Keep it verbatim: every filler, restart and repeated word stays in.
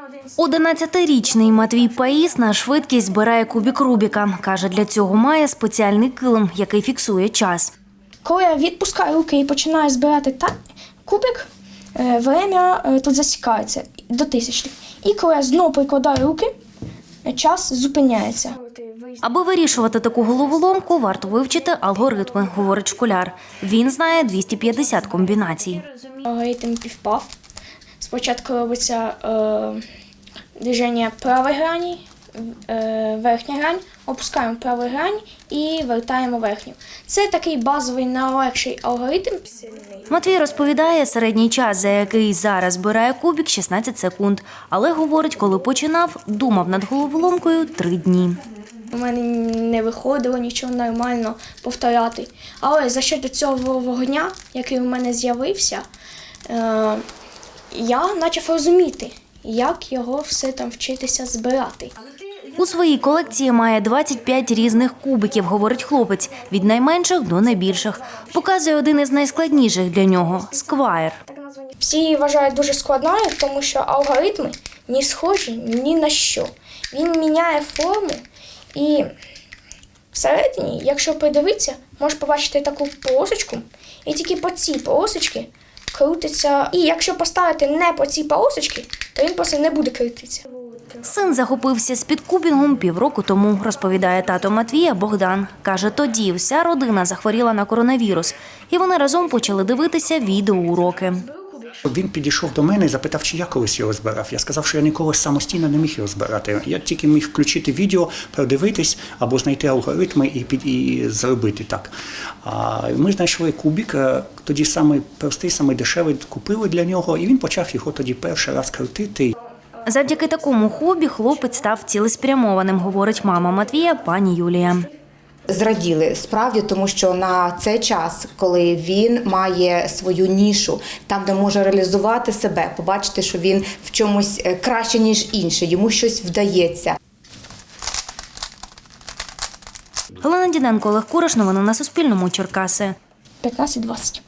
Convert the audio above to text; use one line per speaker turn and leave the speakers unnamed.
одинадцятирічний Матвій Паїс на швидкість збирає кубик Рубіка. Каже, для цього має спеціальний килим, який фіксує час.
Коли я відпускаю руки і починаю збирати та кубик, время тут засікається до тисячних. І коли я знову прикладаю руки, час зупиняється.
Аби вирішувати таку головоломку, варто вивчити алгоритми, говорить школяр. Він знає двісті п'ятдесят комбінацій.
Алгоритм півпав. Спочатку робиться е, движення правої грані, е, верхня грань, опускаємо праву грань і вертаємо верхню. Це такий базовий, найлегший алгоритм.
Матвій розповідає, середній час, за який зараз збирає кубик – шістнадцять секунд. Але, говорить, коли починав, думав над головоломкою три дні.
У мене не виходило нічого нормально повторяти. Але за що до цього вогня, який у мене з'явився, е, я почав розуміти, як його все там вчитися збирати.
У своїй колекції має двадцять п'ять різних кубиків, говорить хлопець, від найменших до найбільших. Показує один із найскладніших для нього – сквайр.
Всі її вважають дуже складною, тому що алгоритми не схожі ні на що. Він міняє форму і всередині, якщо придивитися, можеш побачити таку полосочку, і тільки по цій полосочці крутиться. І якщо поставити не по цій полосочці, то він просто не буде крутитися.
Син захопився спідкубінгом півроку тому, розповідає тато Матвія Богдан. Каже, тоді вся родина захворіла на коронавірус, і вони разом почали дивитися відеоуроки.
Він підійшов до мене і запитав, чи я колись його збирав. Я сказав, що я ніколи самостійно не міг його збирати. Я тільки міг включити відео, продивитись або знайти алгоритми і, під, і зробити так. А ми знайшли кубик, тоді самий простий, самий дешевий, купили для нього, і він почав його тоді перший раз крутити.
Завдяки такому хобі хлопець став цілеспрямованим, говорить мама Матвія, пані Юлія.
Зраділи справді, тому що на цей час, коли він має свою нішу, там, де може реалізувати себе, побачити, що він в чомусь краще, ніж інші, йому щось вдається.
Галина Діденко, Олег Кураш. Новини на Суспільному. Черкаси.
п'ятнадцять двадцять.